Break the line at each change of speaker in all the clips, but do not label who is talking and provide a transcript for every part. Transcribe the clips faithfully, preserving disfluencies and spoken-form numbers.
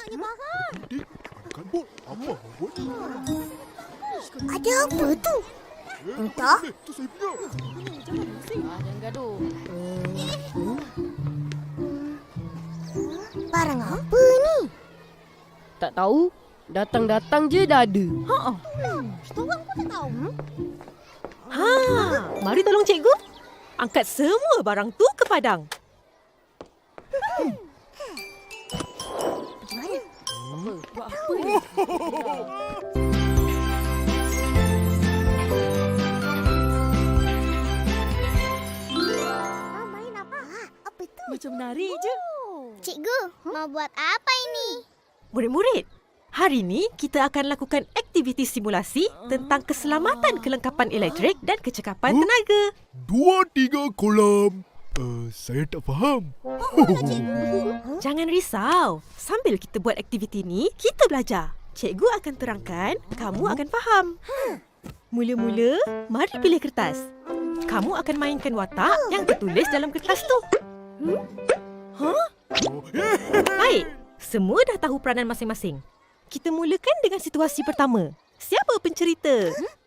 banyaknya barang.
Dik, angkat bot. Apa awak buat ni?
Ada apa tu? Entah.
Itu saya punya.
Ah, jangan gaduh.
Barang apa ni?
Tak tahu. Datang-datang je dah ada.
Ha.
Kita orang pun tak tahu.
Ha, mari tolong cikgu. Angkat semua barang tu ke padang.
Pergi mana?
Apa? Buat apa ni?
Ah, main apa? Ah, apa tu?
Macam menari je.
Cikgu, mau buat apa ini?
Murid-murid, hari ini kita akan lakukan aktiviti simulasi tentang keselamatan kelengkapan elektrik dan kecekapan
Huh?
tenaga.
Dua, tiga kolam. Uh, saya tak faham.
Jangan risau. Sambil kita buat aktiviti ni, kita belajar. Cikgu akan terangkan, kamu akan faham. Mula-mula, mari pilih kertas. Kamu akan mainkan watak yang tertulis dalam kertas tu. Baik, semua dah tahu peranan masing-masing. Kita mulakan dengan situasi pertama. Siapa pencerita?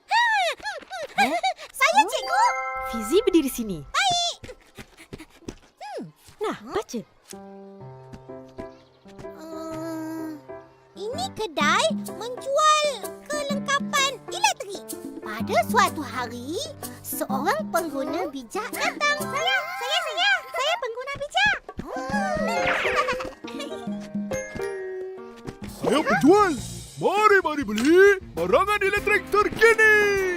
Saya, cikgu.
Fizi berdiri sini. Nah, baca.
Uh, ini kedai menjual kelengkapan elektrik. Pada suatu hari, seorang pengguna bijak datang. Saya, saya, saya. Saya pengguna bijak.
Saya penjual. Mari, mari beli barangan elektrik terkini.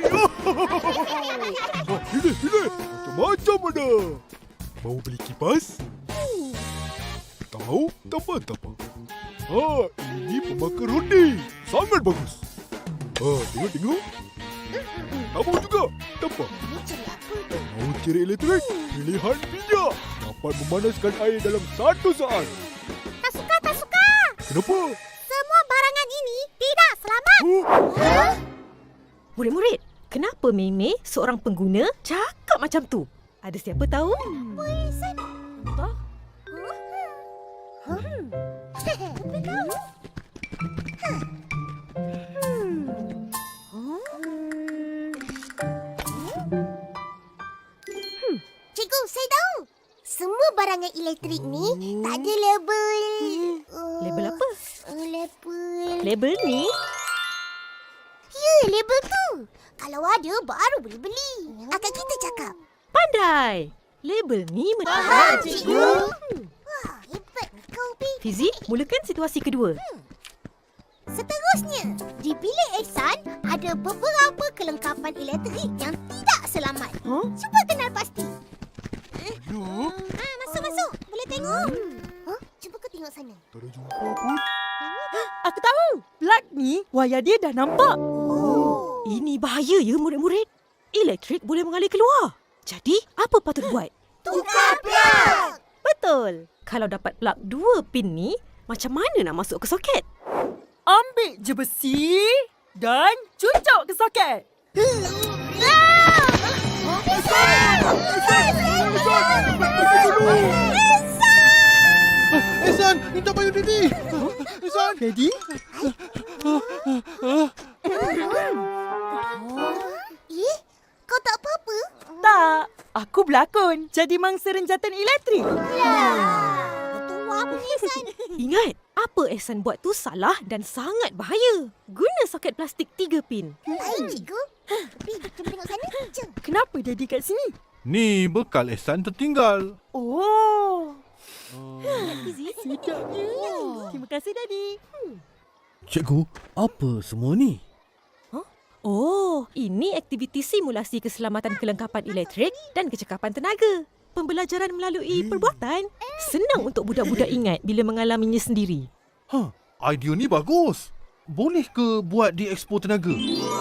Oh, ini, ini. Macam-macam ada. Mau beli kipas? Tak mahu? Tak apa, tak apa. Ah, ini pembakar roti. Sangat bagus. Ah, tengok, tengok. Tak mahu juga? Tak apa. Tak mahu cari elektrik? Pilihan bijak. Dapat memanaskan air dalam satu saat.
Tak suka, tak suka.
Kenapa?
Semua barangan ini tidak selamat.
Oh,
Murid-murid, kenapa Mei-Mei, seorang pengguna, cakap macam tu? Ada siapa tahu?
Poison.
Entah.
Cikgu, saya tahu. Semua barangan elektrik ni tak ada label. Uh,
Label apa?
Uh, label.
Label ni?
Ya, label tu. Kalau ada, baru boleh beli. Akan kita cakap.
Pandai. Label ni
Faham,
menunjukkan
cikgu. Wah, hebat kau, Pi.
Fizi, mulakan situasi kedua.
Seterusnya, di bilik Ehsan ada beberapa kelengkapan elektrik yang tidak selamat.
Huh?
Cuba kenal pasti.
banyak.
Ah, masuk, masuk. Boleh tengok. Huh? Cuba kau tengok sana.
Tak ada jumpa pun.
Aku tahu. Plug ni, wayar dia dah nampak.
Oh.
Ini bahaya ya murid-murid. Elektrik boleh mengalir keluar. Jadi, apa patut buat?
Tukar plug.
Betul. Kalau dapat plug dua pin ni, macam mana nak masuk ke soket?
Ambil je besi dan cucuk ke soket.
Ehsan, minta payung Didi. Ehsan.
Ready?
Eh, kau tak apa-apa?
Tak. Aku berlakon jadi mangsa renjatan elektrik.
Tua punya Ehsan.
Ingat, apa Ehsan buat tu salah dan sangat bahaya. Guna soket plastik tiga pin.
Baik, cikgu. Pi, cuba tengok sana. Jom.
Kenapa Daddy kat sini?
Ni bekal Ehsan tertinggal.
Oh.
Fizi,
Sedapnya. Terima kasih Daddy.
Cikgu, apa semua ni?
Oh, ini aktiviti simulasi keselamatan kelengkapan elektrik dan kecekapan tenaga. Pembelajaran melalui perbuatan. Senang untuk budak-budak ingat bila mengalaminya sendiri.
Ha, idea ni bagus. Boleh ke buat di Expo Tenaga?